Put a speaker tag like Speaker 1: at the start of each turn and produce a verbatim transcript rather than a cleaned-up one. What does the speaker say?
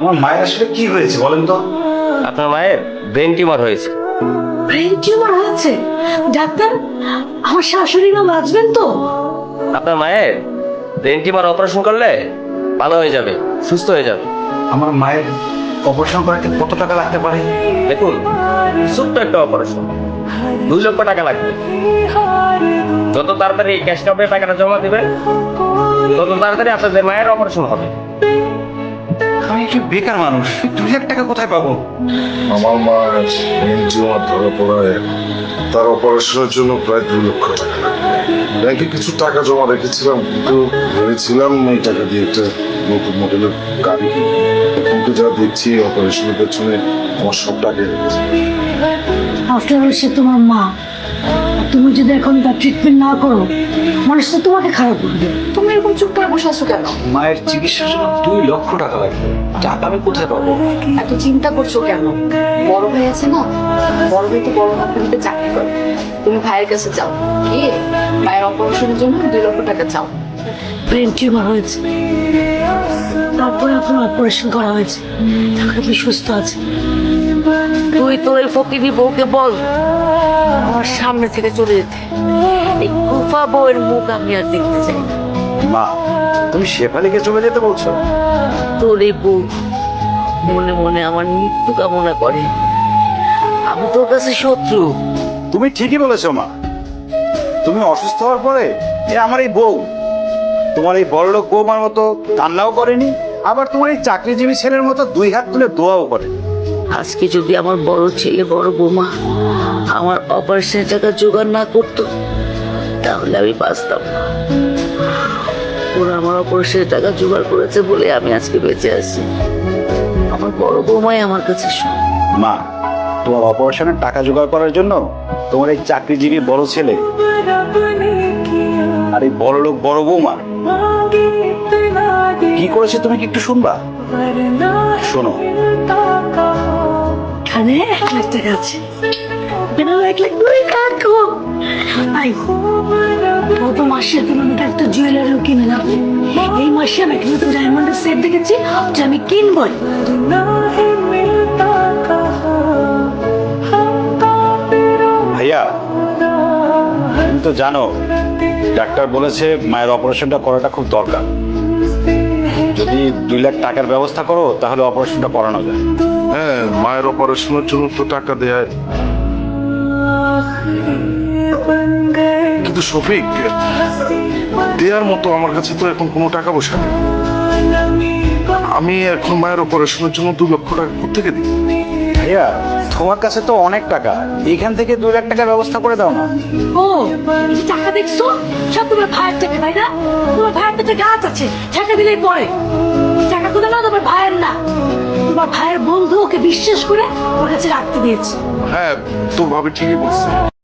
Speaker 1: আমার মায়ের আসলে কি হয়েছে বলেন তো?
Speaker 2: আপনার মায়ের ব্রেন টিউমার হয়েছে।
Speaker 3: ব্রেন টিউমার হয়েছে? ডাক্তার, আমার শাশুড়ি মা বাঁচবেন তো?
Speaker 2: আপনার মায়ের ব্রেন টিউমার অপারেশন করলে ভালো হয়ে যাবে, সুস্থ হয়ে যাবে।
Speaker 1: আমার মায়ের অপারেশন করাতে কত টাকা লাগতে পারে?
Speaker 2: দেখুন, ছোট্ট একটা অপারেশন দুই লক্ষ টাকা লাগবে। যত তাড়াতাড়ি ক্যাশ কাপে টাকাটা জমা দিবেন তত তাড়াতাড়ি আপনাদের মায়ের অপারেশন হবে।
Speaker 1: আমি একটু বেকার মানুষ, দুই লাখ টাকা কোথায় পাবো?
Speaker 4: আমার মা টিউমার ধরা পড়ায় তার অপারেশনের জন্য প্রায় দুই লক্ষ টাকা লাগবে। ব্যাংকে কিছু টাকা জমা রেখেছিলাম, কিন্তু ভেবেছিলাম এই টাকা দিয়ে একটা নতুন মডেলের গাড়ি কিনবো। কিন্তু যা দেখছি অপারেশনের পেছনে আমার সব টাকা লেগেছে।
Speaker 3: আফটার অল সে তোমার মা, তুমি যদি এখন তার ট্রিটমেন্ট না করো মানুষ তো তোমাকে খারাপ করবে।
Speaker 5: তুমি এরকম চুপ করে বসে আছো কেন?
Speaker 1: মায়ের চিকিৎসার জন্য দুই লক্ষ টাকা লাগবে, টাকা আমি কোথায় পাবো?
Speaker 5: এত চিন্তা করছো কেন? বড় ভাই আছে না, বড় ভাই তো বড় কোম্পানিতে চাকরি করে। তুমি ভাইয়ের কাছে যাও, গিয়ে ভাইয়ের অপারেশনের জন্য দুই লক্ষ টাকা চাও।
Speaker 3: ব্রেন টিউমার হয়েছে, তারপরে আপনার অপারেশন করা হয়েছে, তারপরে আপনি সুস্থ আছেন।
Speaker 6: তুই তোর এই ফকিরি বউকে বল আমার সামনে থেকে চলে যেতে। এই কুফা বউয়ের মুখ আমি আর দেখতে চাই না।
Speaker 1: মা, তুমি শেফালিকে চলে যেতে বলছো?
Speaker 6: তোর এই বউ মনে মনে আমার মৃত্যু কামনা করে। আমি তোর কাছে শত্রু।
Speaker 1: তুমি ঠিকই বলেছো মা। তুমি অসুস্থ হওয়ার পরে এ আমার এই বউ তোমার এই বড়লোক বৌমার মতো কান্নাও করেনি, আবার তোমার এই চাকরিজীবী ছেলের মতো দুই হাত তুলে দোয়াও করে।
Speaker 6: আজকে যদি আমার বড় ছেলে বড় বৌমা আমার অপারেশনের টাকা জোগাড় না করতো তাহলে আমি বাঁচতাম না। ওরা আমার অপারেশনের টাকা জোগাড় করেছে বলে আমি আজকে বেঁচে আছি। আমার বড় বৌমাই আমার কাছে সব।
Speaker 1: মা, তোমার অপারেশনের টাকা জোগাড় করার জন্য তোমার এই চাকরিজীবী বড় ছেলে আর এই বড় লোক বড় বৌমা কি করেছে তুমি কি একটু শুনবা? শোনো।
Speaker 3: এখানে এক লাখ টাকা আছে, বেনারো এক লাখ দুই কাকু। আই গত মাসের তুলনায় একটা জুয়েলারিও কিনে নেবো। এই মাসে আমি একটা নতুন ডায়মন্ডের সেট দেখেছি, যে আমি কিনবই।
Speaker 1: ভাইয়া, তুমি তো জানো ডাক্তার বলেছে মায়ের অপারেশনটা করাটা খুব দরকার। যদি দুই লাখ টাকার ব্যবস্থা করো তাহলে অপারেশনটা করানো যায়।
Speaker 4: হ্যাঁ, মায়ের অপারেশনের জন্য তো টাকা দেয়, কিন্তু শফিক, দেওয়ার মতো আমার কাছে তো এখন কোনো টাকা পয়সা নেই। আমি এখন মায়ের অপারেশনের জন্য দু লক্ষ টাকা কোথেকে দিই?
Speaker 1: ভাইয়া, তোমার কাছে তো অনেক টাকা, এখান থেকে দুই লাখ টাকার ব্যবস্থা করে দাও না।
Speaker 3: ও, এই যে টাকা দেখছো সব তোমার ভাইয়ের টাকা, তাই না? তোমার ভাইয়ের পেটে গাছ আছে, টাকা দিলেই পরে। টাকা কোথাও না, তোমার ভাইয়ের না, তোমার ভাইয়ের বন্ধু ওকে বিশ্বাস করে ওর কাছে রাখতে দিয়েছে।
Speaker 4: হ্যাঁ, তো ভাবি ঠিকই বলছে।